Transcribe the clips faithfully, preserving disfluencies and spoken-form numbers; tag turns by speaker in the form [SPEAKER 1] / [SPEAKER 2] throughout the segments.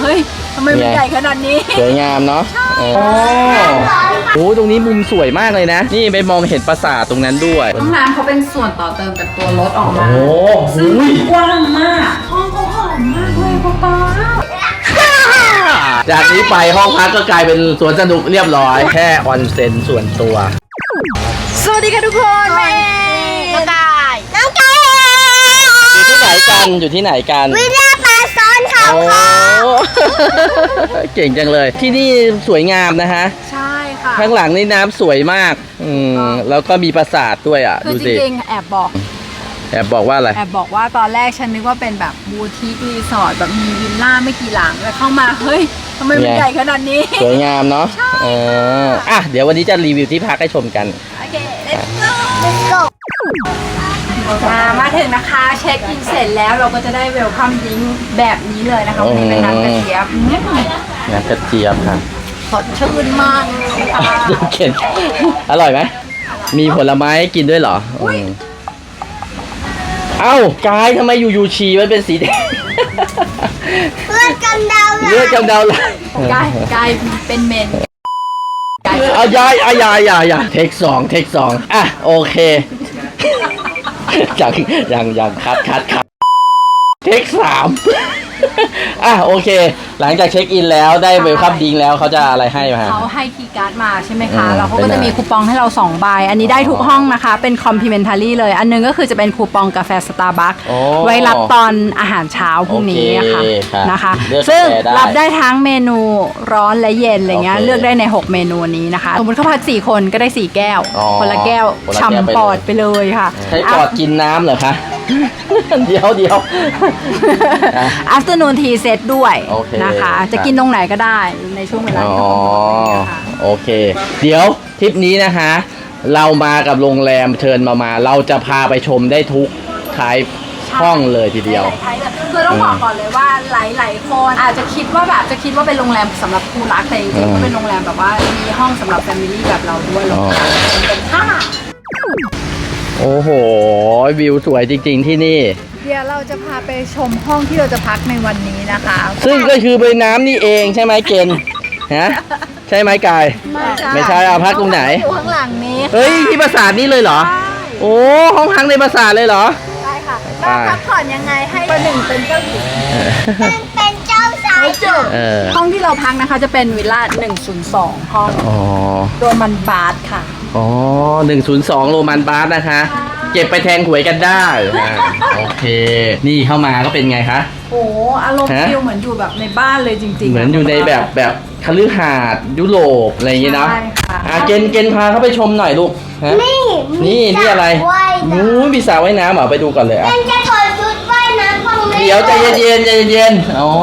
[SPEAKER 1] ฮ้ยทำไมมันใหญ่ขนาดนี้
[SPEAKER 2] สวยงามเนาะโอ้โหตรงนี้มุมสวยมากเลยนะนี่ไปมองเห็นปราสาทตรงนั้นด้วย
[SPEAKER 1] ห้องน้ำเขาเป็นส่วนต่อเติมจากตัวรถออกมา
[SPEAKER 2] โอ้โห
[SPEAKER 1] กว้างมากห้องเขาหอมมากเลยป๊าป๊า
[SPEAKER 2] จากนี้ไปห้องพักก็กลายเป็นสวนสนุกเรียบร้อยแค่ออนเซ็นส่วนตัว
[SPEAKER 1] สวัสดีค่ะทุกคนแม่น้องกายน้องกาย
[SPEAKER 2] อยู่ที่ไหนกันอยู่ที่ไหนกัน
[SPEAKER 3] วิลล่าปลาซ้อนเขาค่ะ
[SPEAKER 2] เก่งจังเลยที่นี่สวยงามนะฮะ
[SPEAKER 1] ใช่ค่ะ
[SPEAKER 2] ข้างหลังนี่น้ำสวยมากอืมแล้วก็มีปราสาทด้วยอ่ะ
[SPEAKER 1] ดูสิจริงๆแอบบอก
[SPEAKER 2] แอบบอกว่าอะไร
[SPEAKER 1] แอบบอกว่าตอนแรกฉันนึกว่าเป็นแบบบูติกรีสอร์ทแบบมีวิลล่าไม่กี่หลังแล้วเข้ามาเฮ้ยทำไมมันใหญ่ขนาดนี้
[SPEAKER 2] สวยงามเนาะเอออ่ะเดี๋ยววันนี้จะรีวิวที่พักให้ชมกัน
[SPEAKER 1] โอเค let's go let's go มาถึงนะคะเช็คอินเสร็จแล้วเราก็จะได้เวลคัมดิ้งแบบนี้เลยนะคะวันนี้เป็นน้ำกระเจี๊ยบ
[SPEAKER 2] น้ำกระเจี๊ยบค่ะ
[SPEAKER 1] สดชื่นมากค่ะ
[SPEAKER 2] เข็นอร่อยไหมมีผลไม้กินด้วยเหรอเอ้ากายทำไมอยู่ยูชีมันเป็นสีแดง
[SPEAKER 3] เลือดกำเดา
[SPEAKER 2] เลือดกำเดาไหล
[SPEAKER 1] กายกายเป็นเมน
[SPEAKER 2] เอายายเอายายยายยาเทคสองเทคสองอ่ะโอเคยังยังยังคัดคัดคัดเทคสามอ่ะโอเคหลังจากเช็คอินแล้วได้เวลคัมดิ้งแล้วเขาจะอะไรให้มา
[SPEAKER 1] เขาให้คีย์การ์ดมาใช่ไหมคะแล้วเขาก็จะมีคูปองให้เราสองใบอันนี้ได้ทุกห้องนะคะเป็นคอมพลีเมนทารี่เลยอันนึงก็คือจะเป็นคูปองกาแฟสตาร์บัคไว้รับตอนอาหารเช้าพรุ่งนี้ค่ะนะคะซึ่งรับได้ทั้งเมนูร้อนและเย็นอะไรเงี้ยเลือกได้ในหกเมนูนี้นะคะสมมติเขาพักสี่คนก็ได้สี่แก้วคนละแก้วช่ำปอดไปเลยค่ะ
[SPEAKER 2] ใช้ปอดกินน้ำเหรอคะเดี๋ยวเดี๋ยว
[SPEAKER 1] afternoon tea set ด้วยนะคะจะกินตรงไหนก็ได้ในช่วงเวลาที่เรา
[SPEAKER 2] โอเคเดี๋ยวทริปนี้นะคะเรามากับโรงแรมเชิญมามาเราจะพาไปชมได้ทุกท้ายห้องเลยทีเดียว
[SPEAKER 1] คือต้องบอกก่อนเลยว่าหลายๆคนอาจจะคิดว่าแบบจะคิดว่าเป็นโรงแรมสำหรับคู่รักแต่จริงๆก็เป็นโรงแรมแบบว่ามีห้องสำหรับแฟมิลี่แบบเราด้วยโรงแรมเป็นห้า
[SPEAKER 2] โอ้โหวิวสวยจริงๆที่นี่
[SPEAKER 1] เดี๋ยวเราจะพาไปชมห้องที่เราจะพักในวันนี้นะคะ
[SPEAKER 2] ซึ่งก็คือเป็นน้ำนี่เองใช่ไหมเกณฑ์ฮะใช่ไหมกายไม่ใช่เอาพักตรงไหน
[SPEAKER 1] อยู่ข้างหลังนี้
[SPEAKER 2] เฮ้ยที่ปราสาทนี่เลยเหรอโอ้ห้องพักในปราสาทเลยเหรอ
[SPEAKER 1] ใช่ค่ะเราพักผ่อนยังไงให้ประหนึ่งเป็นเจ้าหญิง
[SPEAKER 3] เป็นเจ้าสาว
[SPEAKER 1] ห้องที่เราพักนะคะจะเป็นวิลล่าหนึ่งศูนย์สองห้องโรมันบาร์ค่ะ
[SPEAKER 2] อ๋อหนึ่งศูนย์สองโรมันบาร์นะคะเก็บไปแทงหวยกันได้โอเคนี่เข้ามาก็เป็นไงคะ
[SPEAKER 1] โอ้อารมณ์ฟิลเหมือนอยู่แบบในบ้านเลยจริงๆ
[SPEAKER 2] เหมือนอยู่ในแบบแบบคฤหาสน์ยุโรปอะไรอย่างเงี้ยเนาะอ่ะเกณฑ์เกณฑ์พาเขาไปชมหน่อยลูก
[SPEAKER 3] นี่
[SPEAKER 2] นี่นี่อะไรนู้นมีสระว่ายน้ำเหรอไปดูก่อนเลยอ่ะ
[SPEAKER 3] เป็นจะถอดชุดว่ายน้ำของ
[SPEAKER 2] เดี๋ยวใจเย็นๆใจเย็นๆอ๋อ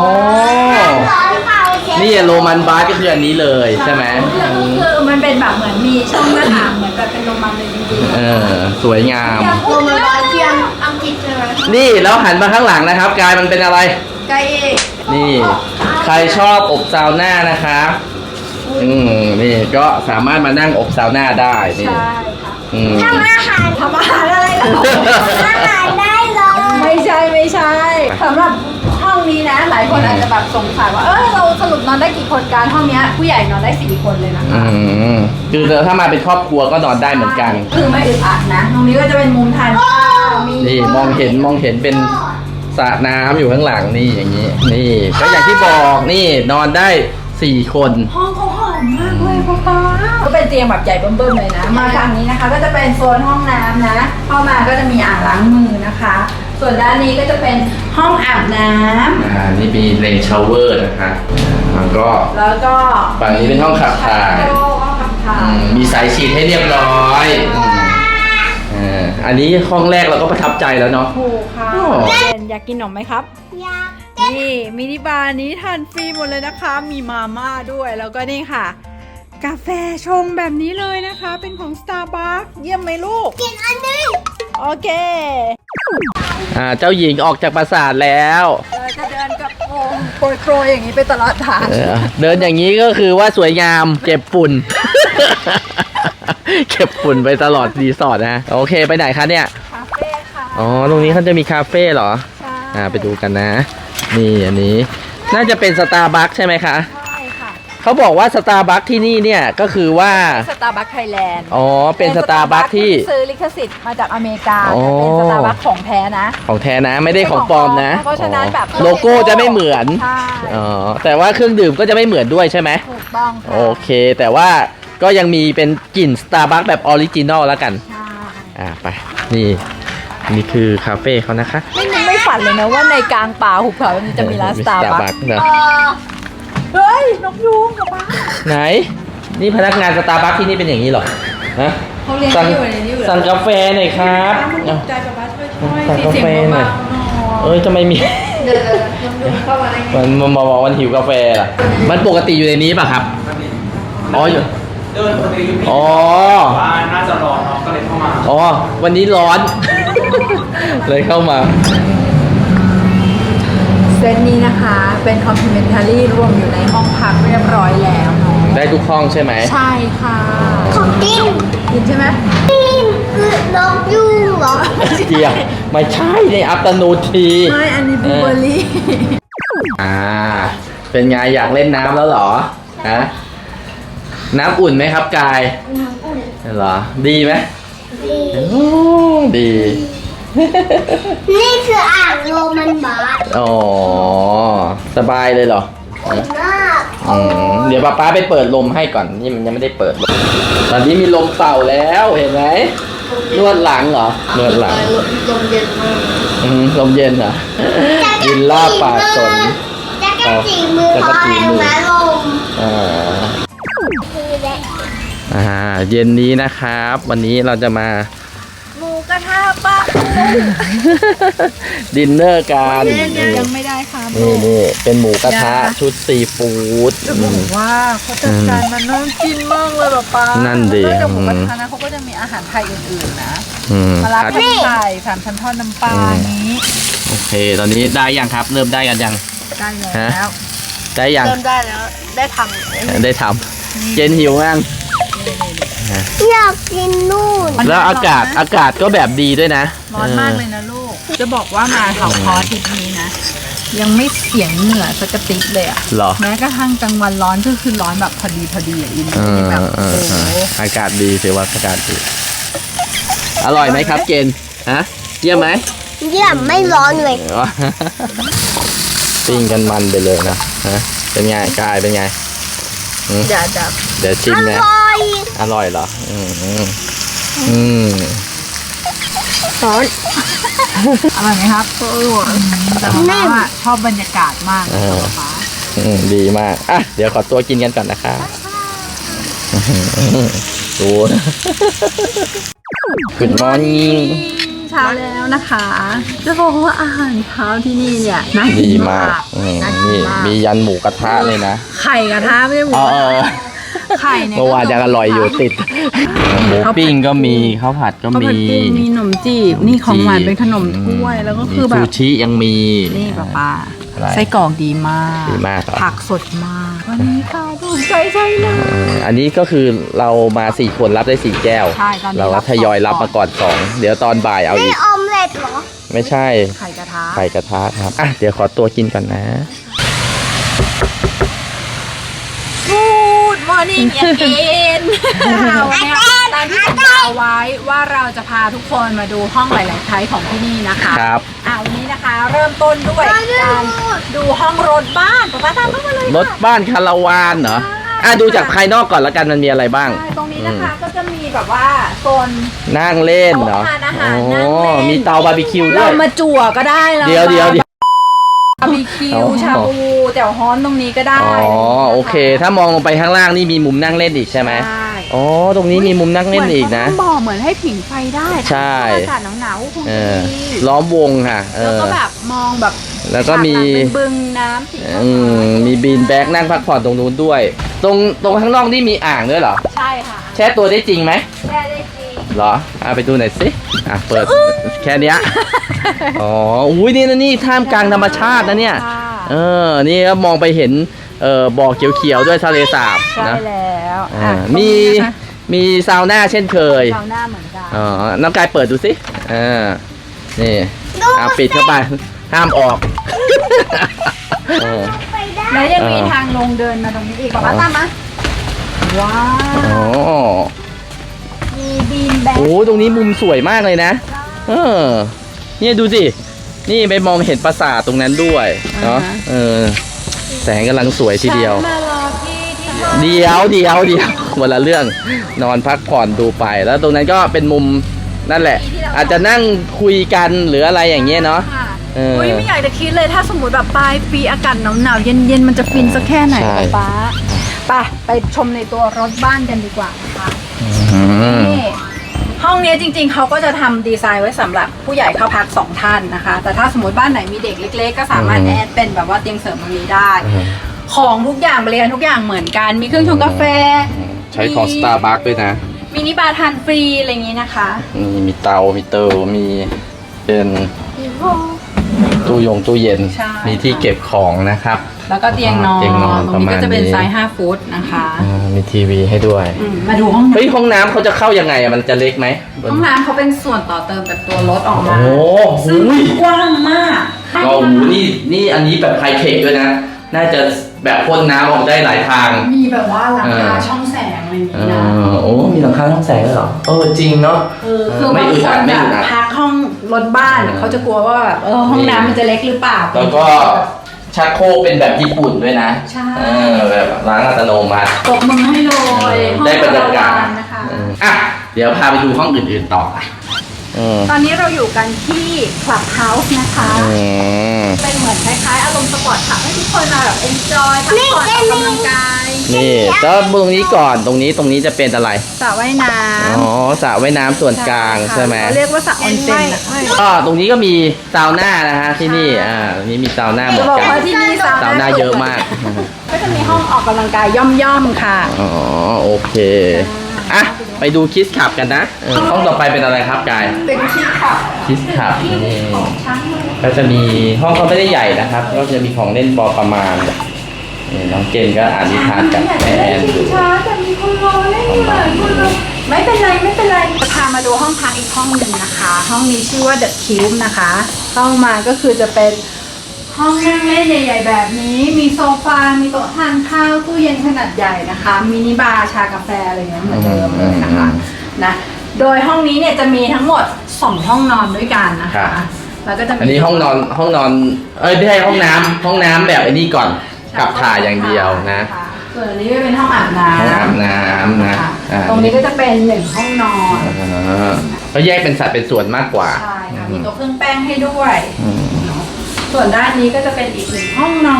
[SPEAKER 2] นี่โรมันบาร์ก็คืออันนี้เลยใช่ไหม
[SPEAKER 1] คือมันเป็นแบบเหมือนมีช่องหน้าต่างเหมือนแบบเป็นโรมันเลยจริงๆ
[SPEAKER 2] เออสวยงาม
[SPEAKER 3] โรมันบาร์เทียมอังกฤษใช่ไหม
[SPEAKER 2] นี่แล้วหันมาข้างหลังนะครับกายมันเป็นอะไร
[SPEAKER 1] กายเอก
[SPEAKER 2] นี่ใครชอบอบซาวน่านะคะอืมนี่ก็สามารถมานั่งอบซาวน่าได้นี่
[SPEAKER 1] ใช่ค่ะ
[SPEAKER 3] ทำอาหาร
[SPEAKER 1] ทำอาหารอะไรหรอ
[SPEAKER 3] อาหารได้เลย
[SPEAKER 1] ไม่ใช่ไม่ใช่สำหรับห้องนี้นะหลายคนอาจจะแบบสงสัยว่าเออเราสรุปนอนได้กี่คนการห้องนี้ผู้ใหญ่นอนได้สี่คนเลยนะคะ
[SPEAKER 2] อืมคือถ้ามาเป็นครอบครัวก็นอนได้เหมือนกัน
[SPEAKER 1] คือไม่อึดอัดนะตรงนี้ก็จะเป็นมุมทานข้าวมี
[SPEAKER 2] นี่มองเห็นมองเห็นเป็นสระน้ำอยู่ข้างหลังนี่อย่างนี้นี่ก็อย่างที่บอกนี่นอนได้สี่คน
[SPEAKER 1] ห้องเขาหอมมากเลยพ่อป๊าก็เป็นเตียงแบบใหญ่เบิ่มๆเลยนะมาฝั่งนี้นะคะก็จะเป็นโซนห้องน้ำนะเข้ามาก็จะมีอ่างล้างมือนะคะส่วนด้านนี้ก็จะเป็นห้องอาบน้ำ
[SPEAKER 2] อ่านี่มีเลนชาวเวอร์นะคะแล้วก็
[SPEAKER 1] แล้วก็
[SPEAKER 2] ฝั่งนี้เป็นห้องขับถ่ายมีสายฉีดให้เรียบร้อยอันนี้ห้องแรกเราก็ประทับใจแล้วเนาะ
[SPEAKER 1] ถูกค่ะอยากกินขนมไหมครับ
[SPEAKER 3] อยาก
[SPEAKER 1] นี่มินิบาร์นี้ทานฟรีหมดเลยนะคะมีมาม่าด้วยแล้วก็นี่ค่ะกาแฟชงแบบนี้เลยนะคะเป็นของ Starbucks เยี่ยมไหมลูก
[SPEAKER 3] กินอันนี้
[SPEAKER 1] โอเค
[SPEAKER 2] อ่าเจ้าหญิงออกจากปราสาทแล้ว
[SPEAKER 1] จะเดินกับโงโปรยโปรยอย่างนี้ไปตลอดทาง
[SPEAKER 2] เดินอย่างนี้ก็คือว่าสวยงามเก็บฝุ่นเก็บฝุ่นไปตลอดรีสอร์ทนะโอเคไปไหนคะเนี่ย
[SPEAKER 1] คาเฟ่ค่ะ
[SPEAKER 2] อ๋อตรงนี้เขาจะมีคาเฟ่เหรอใช่อ่าไปดูกันนะนี่อันนี้น่าจะเป็นสตาร์บัคใช่ไหมคะ
[SPEAKER 1] ใช่ค่ะ
[SPEAKER 2] เขาบอกว่าสตาร์บัคที่นี่เนี่ยก็คือว่า
[SPEAKER 1] สตาร์บัคไทยแลนด์
[SPEAKER 2] อ๋อเป็นสตาร์บัคที่
[SPEAKER 1] ซื้อลิขสิทธิ์มาจากอเมริกา
[SPEAKER 2] อ๋อ
[SPEAKER 1] แต่เป็นสตาร์บัคของแท้นะ
[SPEAKER 2] ของแท้นะไม่ได้ของปลอมนะ
[SPEAKER 1] เพราะฉะนั้นแบบ
[SPEAKER 2] โลโก้จะไม่เหมือน
[SPEAKER 1] ใช่
[SPEAKER 2] อ๋อแต่ว่าเครื่องดื่มก็จะไม่เหมือนด้วยใช่ไหม
[SPEAKER 1] ถูกต้องค่ะ
[SPEAKER 2] โอเค แต่ว่าก็ยังมีเป็นกลิ่นสตาร์บัคแบบออริจินอลแล้วกัน
[SPEAKER 1] ใช่
[SPEAKER 2] อ่าไปนี่นี่คือคาเฟ่เขานะคะ
[SPEAKER 1] ไม่นึกไม่ฝันเลยนะว่าในกลางป่าหุบเขามันจะมีร้านสตาร์บัค
[SPEAKER 2] Starbucks นะ
[SPEAKER 1] เฮ้ยนกยูงกับบ้า
[SPEAKER 2] ไหน นี่พนักงานสตาร์บัคที่นี่เป็นอย่างนี้เหรอฮะ
[SPEAKER 1] เขาเรียน
[SPEAKER 2] สั่ง
[SPEAKER 1] อยู่ในนี้อยู่เหรอ
[SPEAKER 2] สั่งกาแฟหน่อยครับ
[SPEAKER 1] ตกใจกับบ้าช่วยช่วย
[SPEAKER 2] สั่งกาแฟหน่อย
[SPEAKER 1] เสียงเบาๆหน่อย
[SPEAKER 2] เอ้ยทำไมมี
[SPEAKER 1] เดี๋ยวๆนกยูงเข้ามาได้ไง
[SPEAKER 2] มันมันมาบอกวันหิวกาแฟล่ะ มันปกติอยู่ในนี้ป่ะครับ อ๋ออยู่
[SPEAKER 4] เดินปกติอยู่
[SPEAKER 2] อ๋อ
[SPEAKER 4] ว่าน่าจะร้อนเนาะก็เลยเข้ามา
[SPEAKER 2] อ๋อ วันนี้ร้อน เลยเข้ามา
[SPEAKER 1] เซตนี้นะคะเป็นคอมพลีเมนทารี่รวมอยู่ในห้องพักเรียบร้อยแล้วเนาะ
[SPEAKER 2] ได้ทุกห้องใช่ไหม
[SPEAKER 1] ใช่ค่ะ
[SPEAKER 3] ของกิน
[SPEAKER 1] กินใช่ไหม
[SPEAKER 3] กินคือนกยูงเหรอ
[SPEAKER 2] เดียวไม่ใช่ในอัปตโนที
[SPEAKER 1] ไม่อันนี้บลูเบอร์รี่
[SPEAKER 2] อ่า เป็นไงอยากเล่นน้ำแล้วเหรอ ฮะ น้ำอุ่นไหมครับกาย
[SPEAKER 3] น้ำอุ่น
[SPEAKER 2] เหรอ ดีไหม
[SPEAKER 3] ดี
[SPEAKER 2] โอ้ดี
[SPEAKER 3] นี่คืออ่างโรมันบาร์
[SPEAKER 2] อ๋อ สบายเลยเหรอ
[SPEAKER 3] มาก
[SPEAKER 2] อืมเดี๋ยวป๊าป๊าไปเปิดลมให้ก่อน นี่มันยังไม่ได้เปิดลมตอนนี้มีลมเป่าแล้วเห็นไหมนวดหลังเหรอ นวดหลัง
[SPEAKER 3] ลมเย็นมาก
[SPEAKER 2] อืมลมเย็นเหรอวิลล่าป่าสน
[SPEAKER 3] จะกระจีมือ
[SPEAKER 2] จะ
[SPEAKER 3] เพ
[SPEAKER 2] กระ
[SPEAKER 3] ราะ
[SPEAKER 2] จี
[SPEAKER 3] อะไร
[SPEAKER 2] มือ
[SPEAKER 3] รู้ไหมลม
[SPEAKER 2] อ่า
[SPEAKER 3] คือแหละ
[SPEAKER 2] อ่า เย็นนี้นะครับ วันนี้เราจะมา
[SPEAKER 1] หมูกระทะปะ
[SPEAKER 2] ดินเนอร์กัน
[SPEAKER 1] ยังไม่ได้ค่ะ
[SPEAKER 2] นี่นี่เป็นหมูกระทะชุดซีฟู้ด
[SPEAKER 1] จะบอกว่าเขาจัดการมันน่ากินมากเลยแบบป้า
[SPEAKER 2] นั่
[SPEAKER 1] นั่
[SPEAKER 2] นดิ
[SPEAKER 1] นจากหมูกระทะนะเขาก็จะมีอาหารไทยอื่นๆนะ
[SPEAKER 2] อืม
[SPEAKER 1] มะระ
[SPEAKER 2] ครับ
[SPEAKER 1] ผัดไข่สามชั้นทอดน้ำปลานี้
[SPEAKER 2] โอเค ตอนนี้ได้ยังครับ เริ่มได้กันยัง
[SPEAKER 1] ได้
[SPEAKER 2] ฮะ
[SPEAKER 1] แล้ว
[SPEAKER 2] ได้ยัง
[SPEAKER 1] เริ่มได้แล้วได้ทำ
[SPEAKER 2] ได้ทำเจนหิวยัง
[SPEAKER 3] อยากกินนู่น
[SPEAKER 2] แล้วอากาศอากาศก็แบบดีด้วยนะ
[SPEAKER 1] ร้อนมากเลยนะลูก จะบอกว่ามาเขาคอทิศนี้นะ ยังไม่เสียงเหงื่อสักกระติกเลยอะ
[SPEAKER 2] เหรอ
[SPEAKER 1] แม้กระทั่งกลางวันร้อนก็คือร้อนแบบพอดีพอดีอะอิน
[SPEAKER 2] เออ
[SPEAKER 1] แบบ
[SPEAKER 2] เอ
[SPEAKER 1] โอ้
[SPEAKER 2] อ
[SPEAKER 1] โห
[SPEAKER 2] เอออากาศดีถือว่าอากาศดี อร่อยไหมครับเจนฮะเยี่ยมไหม
[SPEAKER 3] เยี่ยมไม่ร้อนเลย
[SPEAKER 2] ปิ้งกันมันไปเลยนะฮะเป็นไงกายเป็นไง
[SPEAKER 1] เดี๋ยวเดี๋ยว
[SPEAKER 2] เดี๋ยวชิม
[SPEAKER 3] อ
[SPEAKER 2] นะ
[SPEAKER 3] ร่อย
[SPEAKER 2] อร่อยเหรอ อืมอืมอืม
[SPEAKER 3] ร้อน
[SPEAKER 1] อร่อยไหมครับอร่อยแต่ว่าชอบบรรยากาศมากเลยค่ะป๊า
[SPEAKER 2] อืมดีมาก อ่ะ เดี๋ยวขอตัวกินกันก่อนนะคะดู Good morning
[SPEAKER 1] เช้าแล้วนะคะ จะบอกว่าอาหารเช้าที่นี่เนี่ยน่ากิ
[SPEAKER 2] ดี
[SPEAKER 1] น
[SPEAKER 2] มาม
[SPEAKER 1] าก ก
[SPEAKER 2] อืม
[SPEAKER 1] น่ากิ
[SPEAKER 2] นี่
[SPEAKER 1] นมาก
[SPEAKER 2] มียันหมูกระทะเลยนะ
[SPEAKER 1] ไข่กระทะไม่ใช่หมู
[SPEAKER 2] เออเออ
[SPEAKER 1] ไข่เนี่ย
[SPEAKER 2] เมื่อวานยังอร่อยอยู่ติด หมูปิ้งก็มีข้าวผัดก็
[SPEAKER 1] ข้าวผั
[SPEAKER 2] มี
[SPEAKER 1] ดกุ้งมีขนมจีบนี่ของหวานเป็นขนมถ้วยแล้วก็คือแบ
[SPEAKER 2] มี
[SPEAKER 1] บ
[SPEAKER 2] ซูชิยังมี
[SPEAKER 1] นี่ป้าป้า
[SPEAKER 2] อะไร
[SPEAKER 1] ไส้กรอกดีมาก
[SPEAKER 2] ดีมากเหรอ
[SPEAKER 1] ผักสดมาก วันนี้ค่ะถูกใจใช่เลย
[SPEAKER 2] เอออันนี้ก็คือเรามาสี่คนรับได้สี่แก้ว
[SPEAKER 1] ใช่ตอนนี้
[SPEAKER 2] เราก็
[SPEAKER 1] รับ
[SPEAKER 2] ทยอยรับ
[SPEAKER 1] สอง
[SPEAKER 2] มาก่อนสองเดี๋ยวตอนบ่ายเอา
[SPEAKER 3] นี่
[SPEAKER 2] อีก
[SPEAKER 3] ออมเล็ตเหรอ
[SPEAKER 2] ไม่ใช่
[SPEAKER 1] ไข่กระทะ
[SPEAKER 2] ไข่กระทะครับ อ่ะ เดี๋ยวขอตัวกินก่อนนะ
[SPEAKER 1] กูดมอร์นิ่งเย็นวันนี้ตามที่สัญญาเอาไว้ว่าเราจะพาทุกคนมาดูห้องหลายๆไทยของที่นี่นะคะ
[SPEAKER 2] ครับ
[SPEAKER 1] อ่าวันนี้นะคะ เริ่มต้นด้วยการดูห้องรถบ้านป้าป้าตามเข้ามาเลย
[SPEAKER 2] รถบ้านคาราวานเหรอ อ่ะ ดูจากภายนอกก่อนละกันมันมีอะไรบ้าง
[SPEAKER 1] ใช่ตรงนี้นะคะก็จะมีแบบว่าโซน
[SPEAKER 2] นั่งเล่นเหรอ
[SPEAKER 1] โต๊ะทานอาหาร
[SPEAKER 2] โอ้
[SPEAKER 1] นั่งเล่น
[SPEAKER 2] มีเตาบาร์บีคิวด้
[SPEAKER 1] เรา
[SPEAKER 2] วย
[SPEAKER 1] มาจั่วก็ได้เรา
[SPEAKER 2] เดี๋ยวเดี๋ยวเดี๋ยว
[SPEAKER 1] บาร์บีคิว
[SPEAKER 2] อ๋อ
[SPEAKER 1] ชาบูแจ่วฮ้อนตรงนี้ก็ได้
[SPEAKER 2] อ๋อ โอเค ถ้ามองลงไปข้างล่างนี่มีมุมนั่งเล่นอีกใช่ไหม
[SPEAKER 1] ใช่
[SPEAKER 2] อ๋อ ตรงนี้มีมุมนั่งเล่นอีกนะ
[SPEAKER 1] เหมือนเขาทำบ่อเหมือนให้ผิงไฟได้
[SPEAKER 2] ใช่
[SPEAKER 1] อากาศหนาวๆคง
[SPEAKER 2] เอ
[SPEAKER 1] จะ
[SPEAKER 2] อ
[SPEAKER 1] ดี
[SPEAKER 2] ล้อมวงค่ะ เอ
[SPEAKER 1] แล้ว
[SPEAKER 2] อ
[SPEAKER 1] ก็แบบมองแบบ
[SPEAKER 2] แล้วก็มี
[SPEAKER 1] ฉาหลังเป็นบึงน้ำสี
[SPEAKER 2] อืม มีบีนแบ็กนั่งพักผ่อนตรงนู้นด้วย ตรงตรงข้างนอกนี่มีอ่างด้วยเหรอ
[SPEAKER 1] ใช่ค่ะ
[SPEAKER 2] แช่ตัวได้จริงไหม
[SPEAKER 1] แช่ได้จริง
[SPEAKER 2] เหรออ่ะไปดูหน่อยสิ อ่ะ เปิด แค่เนี้ย อ๋อ อุ้ยนี่นะนี่ท่ามกลางธรรมชาตินะเนี่ย
[SPEAKER 1] ค่ะ
[SPEAKER 2] เออ นี่ก็มองไปเห็น เอ่อ บ่อเขียวๆด้วยทะเลสาบ
[SPEAKER 1] ใช่
[SPEAKER 2] นะ
[SPEAKER 1] แล้ว
[SPEAKER 2] อ่า
[SPEAKER 1] อ่ะ
[SPEAKER 2] มี
[SPEAKER 1] ตรงนี้นะคะ
[SPEAKER 2] มีซาวน่าเช่นเคย
[SPEAKER 1] เราหน้าเหมือนกัน
[SPEAKER 2] อ๋อ น้องกายเปิดดูสิอ่านี่ อ่ะปิดเข้าไป ห้ามออกเออ
[SPEAKER 3] ไป
[SPEAKER 1] แล้วยังมี
[SPEAKER 2] เออ
[SPEAKER 1] ทางลงเดินมาตรงนี้อีกบอกว่าตามมาว้า
[SPEAKER 2] อ๋อ
[SPEAKER 1] วมีบีนแบ็ค
[SPEAKER 2] โอ้ตรงนี้มุมสวยมากเลยนะ เออ เนี่ยดูสิ นี่ไปมองเห็นปราสาทตรงนั้นด้วยเนาะ เออ แสงกำลังสวยทีเดียว
[SPEAKER 1] ฉันมารอพี่ที่ห้อง
[SPEAKER 2] เดียวเดียวเดียวคนละเรื่องนอนพักผ่อนดูไป แล้วตรงนั้นก็เป็นมุมนั่นแหละ อาจจะนั่งคุยกันหรืออะไรอย่างเงี้ยเนาะ
[SPEAKER 1] ค่ะ
[SPEAKER 2] เออ
[SPEAKER 1] อุ้ยไม่อยากจะคิดเลยถ้าสมมติแบบปลายปีอากาศหนาวๆเย็นๆมันจะฟินสักแค่ไหน
[SPEAKER 2] ใช่
[SPEAKER 1] ป๊าไปไปชมในตัวรถบ้านกันดีกว่านะคะ
[SPEAKER 2] อืม
[SPEAKER 1] นี่ห้องนี้จริงๆเขาก็จะทำดีไซน์ไว้สำหรับผู้ใหญ่เข้าพักสองท่านนะคะ แต่ถ้าสมมติบ้านไหนมีเด็กเล็ก ๆ ก็สามารถแอดเป็นแบบว่าเตียงเสริมตรงนี้ได้ ของทุกอย่างบริการทุกอย่างเหมือนกัน มีเครื่องชงกาแฟ
[SPEAKER 2] ใช้ของ Starbucks ด้วยนะ
[SPEAKER 1] มินิบาร์ทานฟรีอะไรอย่างนี้นะคะ
[SPEAKER 2] มีมีเตา มีเตามีเป็นตู้ยงตู้เย็น
[SPEAKER 1] ใช่
[SPEAKER 2] มีที่เก็บของนะครับ
[SPEAKER 1] แล้วก็เตียงนอน
[SPEAKER 2] เตียงนอน
[SPEAKER 1] ตรงนี้ก็จะเป็น
[SPEAKER 2] ประมาณนี้
[SPEAKER 1] ไซส์ห้าฟุตนะคะ
[SPEAKER 2] อ่ามีทีวีให้ด้วย
[SPEAKER 1] อืมมาดูห้องน้
[SPEAKER 2] เฮ้ยห้องน้ำเขาจะเข้ายังไงอะมันจะเล็กไหม
[SPEAKER 1] ำห้องน้ำเขาเป็นส่วนต่อเติมจากตัวรถออกมา
[SPEAKER 2] โอ้
[SPEAKER 1] ซึ่ง
[SPEAKER 2] โห
[SPEAKER 1] กว้างมาก
[SPEAKER 2] ก็โอ้โหนี่นี่อันนี้แบบไฮเทคด้วยนะ น่าจะแบบพ่นน้ำออกได้หลายทาง
[SPEAKER 1] มีแบบว่าหลังคา
[SPEAKER 2] เออ
[SPEAKER 1] ช่องแสงอะไรอย่าง
[SPEAKER 2] เอ
[SPEAKER 1] นี้นะ
[SPEAKER 2] อโอ้มีหลังคาช่องแสงด้วยเหรอเออจริงเนาะ
[SPEAKER 1] เออคือ
[SPEAKER 2] ไม่
[SPEAKER 1] บาง
[SPEAKER 2] อึด
[SPEAKER 1] ค
[SPEAKER 2] อั
[SPEAKER 1] น
[SPEAKER 2] ดไม่
[SPEAKER 1] แบบ
[SPEAKER 2] อึดอัด
[SPEAKER 1] พักห้องรถบ้าน
[SPEAKER 2] เออ
[SPEAKER 1] เขาจะกลัวว่าแบบเออห้องน้ำมันจะเล็กหรือเปล่า
[SPEAKER 2] แล้วก็ชักโครกเป็นแบบญี่ปุ่นด้วยนะ
[SPEAKER 1] ใช่
[SPEAKER 2] เออแบบล้างอัตโนมัติ
[SPEAKER 1] ตบมือให้เลย
[SPEAKER 2] ได้บรรยากาศ
[SPEAKER 1] ห้องนะคะ
[SPEAKER 2] เอออ่ะเดี๋ยวพาไปดูห้องอื่นๆต่ออ่ะอืม
[SPEAKER 1] ตอนนี้เราอยู่กันที่ Clubhouse นะคะ
[SPEAKER 2] อืม
[SPEAKER 1] เป็นเหมือนคล้ายๆ อารมณ์สปอร์ตค่ะให้ทุกคนมาแบบ enjoy พักผ่อนออกกำลังกาย
[SPEAKER 2] นี่แล้วตรงนี้ก่อนตรงนี้ตรงนี้จะเป็นอะไร
[SPEAKER 1] สระว่ายน้ำ
[SPEAKER 2] อ๋อสระว่ายน้ำส่วนกลางใช่ไหม
[SPEAKER 1] เขาเรียกว่าสระออนเซ็นนะคะ
[SPEAKER 2] ก็ตรงนี้ก็มีซาวน่านะฮะที่นี่อ่าตรงนี้มีซาวน่าเหมื
[SPEAKER 1] จะ
[SPEAKER 2] อน
[SPEAKER 1] บอก
[SPEAKER 2] กัน
[SPEAKER 1] ว่าที่นี่
[SPEAKER 2] ซาวน่าเยอะมาก
[SPEAKER 1] ก็จะมีห้องออกกำลังกายย่อมๆค่ะ
[SPEAKER 2] อ๋อโอเคอ่ะไปดูคิสขับกันนะเออห้องต่อไปเป็นอะไรครับกาย
[SPEAKER 1] เป็นที่ขับ
[SPEAKER 2] คิสขับนี่
[SPEAKER 1] ช้างมือ
[SPEAKER 2] ก็จะมีห้องก็ไม่ได้ใหญ่นะครับ ก็จะมีของเล่นพอประมาณนี่น้องเจนก็อ่านนิทานกับแม่แอนอยู่
[SPEAKER 1] ช้าแต่มีคนรอเล่นอยู่คนรอไม่เป็นไรไม่เป็นไรจะพามาดูห้องพักอีกห้องหนึ่งนะคะ ห้องนี้ชื่อว่า The Cube นะคะ เข้ามาก็คือจะเป็นห้องนั่งเล่นใหญ่ ๆ แบบนี้ มีโซฟา มีโต๊ะทานข้าว ตู้เย็นขนาดใหญ่นะคะ มินิบาร์ชากาแฟอะไรอย่างเงี้ยเหมือนเดิมเลยนะคะนะ โดยห้องนี้เนี่ยจะมีทั้งหมดสองห้องนอนด้วยกันนะคะ แล้วก็จะมี
[SPEAKER 2] อันนี้ห้องนอนห้องนอน เอ้ยไม่ใช่ห้องน้ำห้องน้ำแบบไอ้นี่ก่อนกับถ่ายอย่างเดียวนะ
[SPEAKER 1] ส่วนอันนี้ก็เป็นห้องอาบน้ำ
[SPEAKER 2] ห้องอาบน้ำนะ
[SPEAKER 1] ค่ะ
[SPEAKER 2] อ่า
[SPEAKER 1] ตรงนี้ก็จะเป็นหนึ่งห้องนอน
[SPEAKER 2] อ่าก็แยกเป็นสัดเป็นส่วนมากกว่า
[SPEAKER 1] ใช่ค่ะ มีโต๊ะเครื่องแป้งให้ด้วย
[SPEAKER 2] อืม
[SPEAKER 1] ส่วนด้านนี้ก็จะเป็นอีกหนึ่งห้องนอน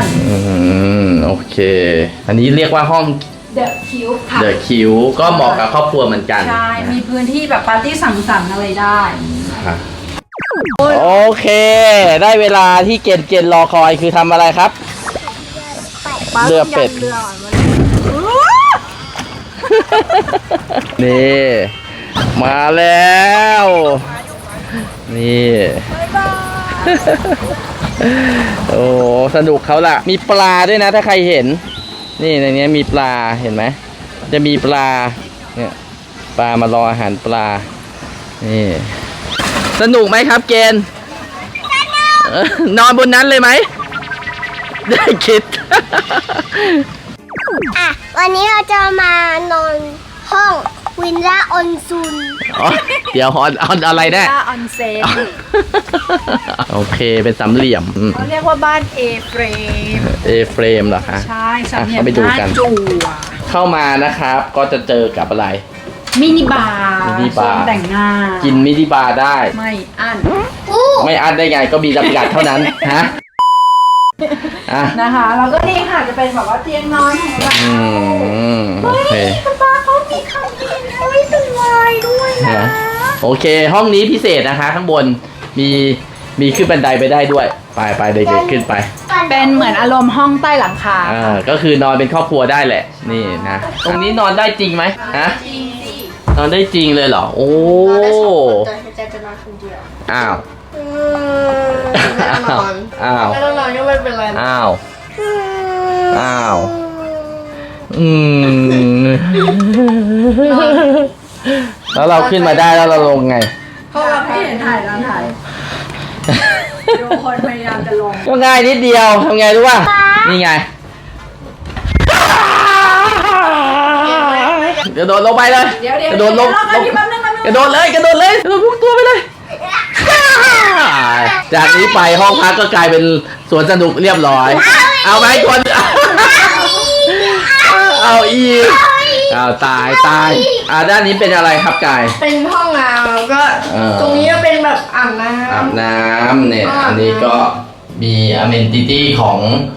[SPEAKER 2] อืมโอเค อันนี้เรียกว่าห้อง
[SPEAKER 1] The Cube ค่ะ
[SPEAKER 2] เดอะคิวก็เหมาะกับครอบครัวเหมือนกัน
[SPEAKER 1] ใช่ มีพื้นที่แบบปาร์ตี้สังสรรค์อะไรได้
[SPEAKER 2] ค่ะโอเค ได้เวลาที่เกณฑ์เกณฑ์รอคอยคือทำอะไรครับ เรือเป็ด
[SPEAKER 1] เรือก่อนวันนี้
[SPEAKER 2] นี่ มาแล้ว นี่ โอ้สนุกเขาล่ะ มีปลาด้วยนะถ้าใครเห็น นี่ในนี้มีปลาเห็นไหมจะมีปลาเนี่ยปลามารออาหารปลานี่สนุกไหมครับเกณฑ์เออนอนบนนั้นเลยไหมได้คิด
[SPEAKER 3] อ่ะ วันนี้เราจะมานอนห้องวินล่าออนซุน
[SPEAKER 2] อ๋อเดี๋ยวออนออนอะไรได้
[SPEAKER 1] บ้านออนเซ็น
[SPEAKER 2] โอเคเป็นสามเหลี่ยมอืม
[SPEAKER 1] เขาเรียกว่าบ้าน A frame
[SPEAKER 2] เอเฟรมเหรอคะ
[SPEAKER 1] ใช่สามเหลี่ย
[SPEAKER 2] อ่ะ
[SPEAKER 1] ม
[SPEAKER 2] เข้าไปดู
[SPEAKER 1] หน้า
[SPEAKER 2] กัน
[SPEAKER 1] จั่ว
[SPEAKER 2] เข้ามานะครับก็จะเจอกับอะไร
[SPEAKER 1] มินิบาร์
[SPEAKER 2] มินิบาร์
[SPEAKER 1] โซนแต่งหน้า
[SPEAKER 2] กินมินิบาร์ได้
[SPEAKER 1] ไม่อั้น
[SPEAKER 3] อู้
[SPEAKER 2] ไม่อั้นได้ไงก็มีจำกัดเท่านั้นฮะอ่ะ
[SPEAKER 1] นะคะแล้วก็นี่ค่ะจะเป็นแบบว่าเตียงนอนของเรา
[SPEAKER 2] อืมโอเค
[SPEAKER 1] คุณป้าเขามีคำยินเฮ้ยเป็นลายด้วยนะ
[SPEAKER 2] นะโอเค ห้องนี้พิเศษนะคะ ข้างบนมีมีขึ้นบันไดไปได้ด้วย ไปไปเด็กๆขึ้นไป
[SPEAKER 1] เป็นเหมือนอารมณ์ห้องใต้หลังคา
[SPEAKER 2] อ่าก็คือนอนเป็นครอบครัวได้แหละ นี่นะ ตรงนี้นอนได้จริงไหมฮะ
[SPEAKER 1] จริงสิ
[SPEAKER 2] นอนได้จริงเลยเหรอ โอ้
[SPEAKER 3] แต่ใจจะนอนคนเดียว
[SPEAKER 2] อ้าว
[SPEAKER 3] อืมไม่ต้องนอน
[SPEAKER 2] อ้าว
[SPEAKER 3] ไม่ต้องนอนก็ไม่เป็นไร
[SPEAKER 2] อ้าว
[SPEAKER 3] อืม
[SPEAKER 2] อ้าว อืม แล้วเราขึ้นมาได้แล้วเราลงไง
[SPEAKER 1] เพราะเราไม่เห็นถ่ายแล้วถ่ายดูคนพยายามจะลง
[SPEAKER 2] ก็ง่ายนิดเดียวทำไงรู้ป่ะ
[SPEAKER 3] ป๊า
[SPEAKER 2] นี่ไงกระโดดลงไปเลย
[SPEAKER 1] เดี๋ยวเดี๋ยว
[SPEAKER 2] กระโดดลง
[SPEAKER 1] เดี๋ยวเดี๋ยวแป๊บนึงแป๊บนึง
[SPEAKER 2] กระโดดเลยกระโดดเลยกระโดดพุ่งตัวไปเลย จากนี้ไปห้องพักก็กลายเป็นสวนสนุกเรียบร้อย เอาไหมคน เอาอีกเอาตายตายอ่าด้านนี้เป็นอะไรครับกาย
[SPEAKER 5] เป็นห้องน้ำแล้วก็
[SPEAKER 2] เออ
[SPEAKER 5] ตรงนี้ก็เป็นแบบอ่างน้ำ
[SPEAKER 2] อาบน้ำเนี่ย อันนี้ก็มีอเมนติตี้ของ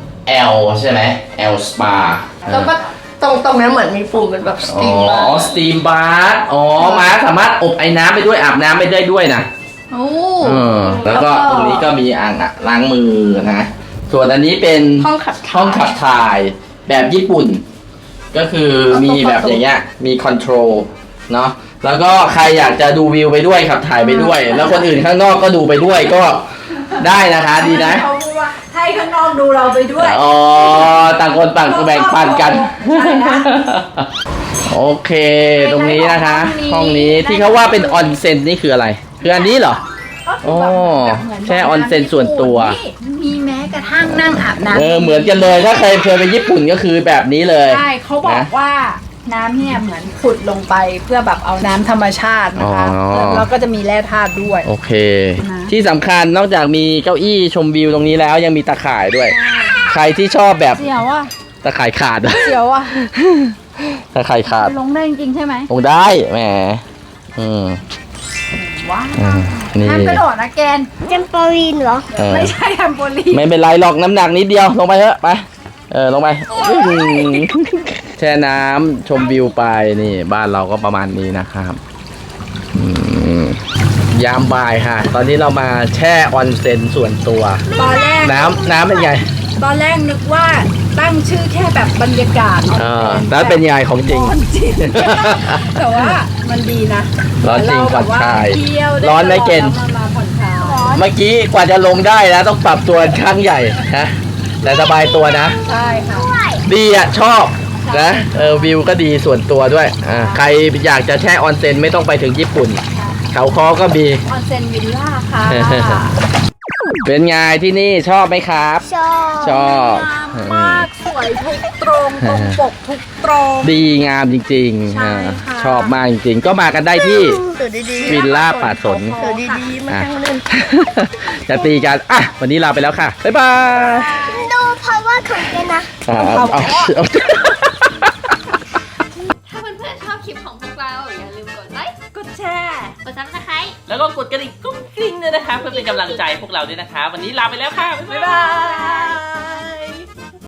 [SPEAKER 2] L ใช่ไหม L Spa
[SPEAKER 5] แล้วก็ตรงตรงนี้เหมือนมีปุ่มเป็นแบบส
[SPEAKER 2] อ๋
[SPEAKER 5] ตีม
[SPEAKER 2] อสตีมบาร์อ๋อมาสามารถอบไอ้น้ำไปด้วยอาบน้ำไปได้ด้วยนะ
[SPEAKER 5] โอ้
[SPEAKER 2] เออแล้วก็ตรงนี้ก็มีอ่างอะล้างมือนะ ส่วนอันนี้เป็น
[SPEAKER 5] ห้องขับถ่าย
[SPEAKER 2] ห้องขับถ่ายแบบญี่ปุ่น ก็คือมีแบบอย่างเงี้ยมีคอนโทรลเนาะแล้วก็ใครอยากจะดูวิวไปด้วยขับถ่ายไปด้วย แล้วคนอื่นข้างนอกก็ดูไปด้วยก็ได้นะคะดีนะ
[SPEAKER 1] เขาพูดว่าให้ข้างนอกดูเราไปด้วย
[SPEAKER 2] อ๋อต่างคนต่างแบ่งปันกัน
[SPEAKER 1] ใช่นะ
[SPEAKER 2] โอเค ตรงนี้นะคะ ห้องนี้ที่เขาว่าเป็นออนเซ็นนี่คืออะไร คืออันนี้เหรอ
[SPEAKER 1] ก็คือแบบเหมื
[SPEAKER 2] แช่ออนเซ็นส่วนตัว
[SPEAKER 1] นี่มีแม้กระทั่งนั่งอาบน้ำ
[SPEAKER 2] เออเหมือนกันเลยถ้าใครเคยไปญี่ปุ่นก็คือแบบนี้เลย
[SPEAKER 1] ใช่เขาบอกว่าน้ำเนี่ยเหมือนขุดลงไปเพื่อแบบเอาน้ำธรรมชาตินะคะ
[SPEAKER 2] อ๋อ
[SPEAKER 1] แล้วแล้วก็จะมีแร่ธาตุด้วย
[SPEAKER 2] โอเค
[SPEAKER 1] นะ
[SPEAKER 2] ที่สำคัญนอกจากมีเก้าอี้ชมวิวตรงนี้แล้วยังมีตะข่ายด้วย ใครที่ชอบแบบ
[SPEAKER 1] เสียวอ่ะ
[SPEAKER 2] ตะข่ายขาด
[SPEAKER 1] เสียวอ่ะ
[SPEAKER 2] ตะข่ายขาด
[SPEAKER 1] ลงได้จริงๆใช่ไหม
[SPEAKER 2] ลงได้แหมอืม
[SPEAKER 1] ว้าว
[SPEAKER 2] อืมนี่
[SPEAKER 1] ห้ามกระโดดนะแกน
[SPEAKER 3] เจมโปลีนเหรอ
[SPEAKER 2] เออ
[SPEAKER 1] ไม่ใช่แทมโปลีน
[SPEAKER 2] ไม่เป็นไรหรอกน้ำหนักนิดเดียวลงไปเถอะไปเออลงไปอื้อหือแช่น้ำชมวิวไปนี่บ้านเราก็ประมาณนี้นะครับอืมยามบ่ายค่ะ ตอนนี้เรามาแช่ออนเซ็นส่วนตัว
[SPEAKER 1] ตอนแรก
[SPEAKER 2] น้ำน้ำเป็นไง
[SPEAKER 1] ตอนแรกนึกว่าตั้งชื่อแค่แบบบรรยากาศ
[SPEAKER 2] เออแล้วเป็นยังไงของจริง
[SPEAKER 1] ร้อนจริง แต่ว่ามันดีนะ
[SPEAKER 2] ร้อนจริง
[SPEAKER 1] เาแบบว่
[SPEAKER 2] ผ่อนคลาย
[SPEAKER 1] เที่ยวได้
[SPEAKER 2] ร้อนไหมเกณฑ์
[SPEAKER 1] แล้วมาผ่อนคลาย
[SPEAKER 2] เมื่อกี้กว่าจะลงได้นะต้องปรับตัวข้างใหญ่นะแต่สบายตัวนะ
[SPEAKER 1] ใช่ค่ะ
[SPEAKER 2] ดีอ่ะชอบนะเออวิวก็ดีส่วนตัวด้วยอ่าใครอยากจะแช่ออนเซ็นไม่ต้องไปถึงญี่ปุ่น เขาคอก็มี
[SPEAKER 1] ออนเซ็นวิลล่าค่ะ
[SPEAKER 2] เป็นไงที่นี่ชอบไหมครับ
[SPEAKER 3] ชอบ
[SPEAKER 2] ชอบ
[SPEAKER 1] งามมากสวยทุกตรงตรงปกทุกตรง
[SPEAKER 2] ดีงามจริงๆ
[SPEAKER 1] ใช่
[SPEAKER 2] อ่า
[SPEAKER 1] ค่ะ
[SPEAKER 2] ชอบมากจริงๆ ก็มากันได้ที่
[SPEAKER 5] ตื่นดีๆ
[SPEAKER 2] วิลล่าป่าสน
[SPEAKER 5] ตื่นดีๆมา
[SPEAKER 2] อ่ะ
[SPEAKER 5] ทั้งเล่น
[SPEAKER 2] จะตีกันอ่ะวันนี้ลาไปแล้วค่ะ บ๊ายบาย
[SPEAKER 3] ดูเพราะว่าของเจนนะ
[SPEAKER 2] อ่าเอาเอาเอา
[SPEAKER 6] ถ้าเพื่อนๆชอบคลิปของพวกเรา อย่าลืมกดไลค์
[SPEAKER 1] กดแชร์
[SPEAKER 6] กดซับสไครต์
[SPEAKER 7] แล้วก็กดกระดิ่งกุ้งกริ้งด้วยนะคะเพื่อเป็นกำลังใจพวกเราด้วยนะคะ วันนี้ลาไปแล้วค่ะ บ๊าย
[SPEAKER 1] บ๊าย
[SPEAKER 7] บา
[SPEAKER 1] บาย ย